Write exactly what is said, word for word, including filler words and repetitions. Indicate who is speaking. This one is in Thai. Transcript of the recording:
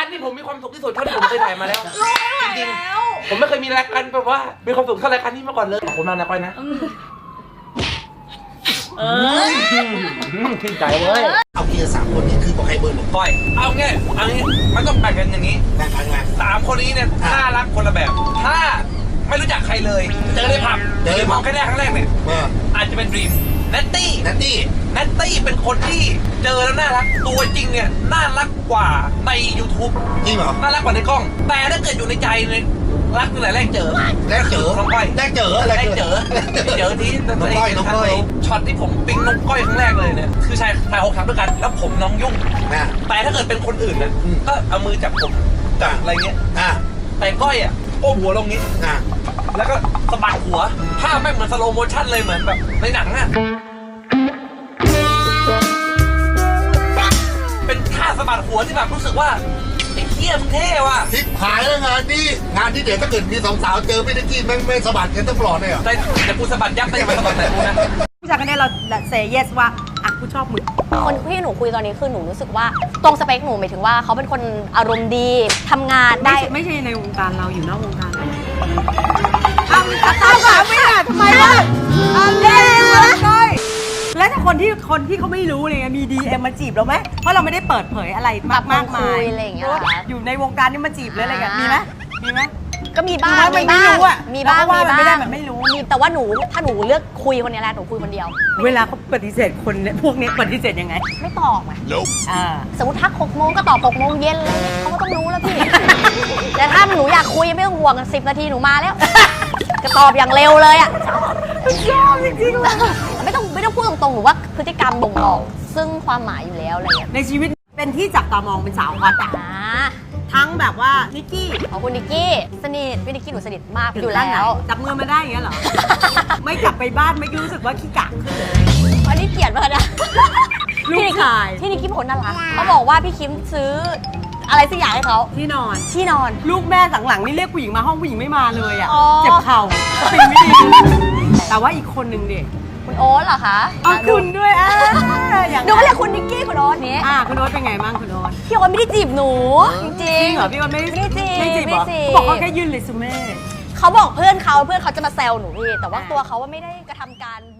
Speaker 1: ที่ผมมีความสุขที่สุดเท่าที่ผมเคยถ่ายมาแล้วจริงๆผมไม่เคยมีรายการแบบว่ามีความสุขเท่ารายการนี้มาก่อนเลยขอบคุณมากนะก้อยนะเออชื่นใจเว้ย
Speaker 2: เอาเกียร์สามคนนี้คือบอกใครเบอร์หนึ่ง
Speaker 1: ก้อยเอางี้เอางี้มันต้องแบ่งกันอย่างนี้
Speaker 2: แบ่งกันไง
Speaker 1: สามคนนี้เนี่ยน่ารักคนละแบบถ้าไม่รู้จักใครเลยเจอในผับเจอในผับแค่แรกครั้งแรกเนี่ยอาจจะเป็นดรีมเนตตี้
Speaker 2: เนตตี้
Speaker 1: เนตตี้เป็นคนที่เจอแล้วน่ารักตัวจริงเนี่ยน่ารักกว่าใน YouTube
Speaker 2: จริงเหรอ
Speaker 1: น่ารักกว่าในกล้องแต่ถ้าเกิดอยู่ในใจเนี่ยรักตั้งแต่แรกเจอ
Speaker 2: แรกเจอ
Speaker 1: น้องก้อย
Speaker 2: แรกเจออะไร
Speaker 1: แรกเจอเจอที่
Speaker 2: น้องก้อยน้องก้อย
Speaker 1: ช็อตที่ผมปิ๊งน้องก้อยครั้งแรกเลยเนี่ยคือชายชายหกครั้งด้วยกันแล้วผมน้องยุ่งแต่ถ้าเกิดเป็นคนอื่นเนี่ยก็เอามือจับผมจับอะไรเงี้ยแต่ก้อยอ่ะโอ้หัวลงนี้แล้วก็สะบัดหัวภาพไม่เหมือนสโลโมชั่นเลยเหมือนแบบในหนังอ่ะเป็นท่าสะบัดหัวที่แบบรู้สึกว่าไอ้เหี้ยมเท่ว่ะ
Speaker 2: ทิพหายแล้วงานนี้งานที่เดี๋ยวถ้าเกิดมีสองสาวเจอพี่นิกกี้แม่งไม่สะบัดกันต้องปลอดเลยเหรอ
Speaker 1: แต่แต่กูสะบัดยับได้ยังไงสะบัดไหนกูนะ
Speaker 3: ผู้ชายคนนี้เราเซย์เยสว่าอ่ะกูชอบมึง
Speaker 4: คนที่หนูคุยตอนนี้คือหนูรู้สึกว่าตรงสเปคหนูหมายถึงว่าเขาเป็นคนอารมณ์ดีทำงานได้
Speaker 3: ไม่ใช่ในวงการเราอยู่นอกวงการเอาตามแบบไม่ได้ทำไมวะเอาเล่นเลยแล้วถ้าคนที่คนที่เขาไม่รู้เลยมีดีเอ็มมาจีบเราไหมเพราะเราไม่ได้เปิดเผยอะไรมากมากมาย
Speaker 4: อะไรอย่างเงี้ย
Speaker 3: อยู่ในวงการนี่มาจีบเลยอะไรกันมีไหมมีไหม
Speaker 4: ก็มีบ้าง
Speaker 3: มีบ้าง
Speaker 4: มีบ้างมีบ้าง
Speaker 3: ไม่ได้แบบไม่รู้
Speaker 4: มีแต่ว่าหนูถ้าหนูเลือกคุยคนนี้แหละหนูคุยคนเดียว
Speaker 3: เวลาเขาปฏิเสธคนเนี่ยพวกนี้ปฏิเสธยังไง
Speaker 4: ไม่ตอบไงสมมติทักหกโมงก็ตอบหกโมงเย็นเลยเขาก็ต้องรู้แล้วพี่แต่ถ้าหนูอยากคุยไม่ต้องห่วงสิบนาทีหนูมาแล้วก็ตอบอย่างเร็วเลยอ่ะ
Speaker 3: ชอบจริงๆเลย
Speaker 4: ไม่ต้องไม่ต้องพูดตรงๆหนูว่าพฤติกรรมบ่งบอกซึ่งความหมายอยู่แล้วอะไรอย่างเงี้ย
Speaker 3: ในชีวิตเป็นที่จับตามองเป็นสาวฮอตอ่ะทั้งแบบว่านิกกี้
Speaker 4: ของคุณนิกกี้สนิทพี่นิกกี้หนูสนิทมากอยู่แล้ว
Speaker 3: จับมือมาได้อย่างเงี้ยเหรอไม่กลับไปบ้านไม่รู้สึกว่าขี้กากขึ้นเลย
Speaker 4: อันนี้เกลียดมากนะ
Speaker 3: ลูกชาย
Speaker 4: พี่นิกกี้ผลน่ารักเขาบอกว่าพี่คิมซื้ออะไรสักอย่างให้เขา
Speaker 3: ที่นอน
Speaker 4: ที่นอน
Speaker 3: ลูกแม่หลังๆนี่เรียกผู้หญิงมาห้องผู้หญิงไม่มาเลยอ่ะเจ็บเข่าสปริงไม่ดีแต่ว่าอีกคนนึงดิ
Speaker 4: คุณโอ๊ตเหรอคะ
Speaker 3: อ๋อคุณด้วยอ่ะ
Speaker 4: ดูก็เรียกคุณนิกกี้คุณโอ๊ตนี้
Speaker 3: อ่าคุณโอ๊ตเป็นไงบ้างคุณโอ๊ต
Speaker 4: พี่โอ๊ตไม่ได้จีบหนูจริง
Speaker 3: จริงเหรอพี่โอ๊ตไม่ได้จีบไม่จีบหรอเขาบอกเขาแค่ยื่นเรซูเม่
Speaker 4: เขาบอกเพื่อนเขาเพื่อนเขาจะมาแซวหนูพี่แต่ว่าตัวเขาว่าไม่ได้กระทำการ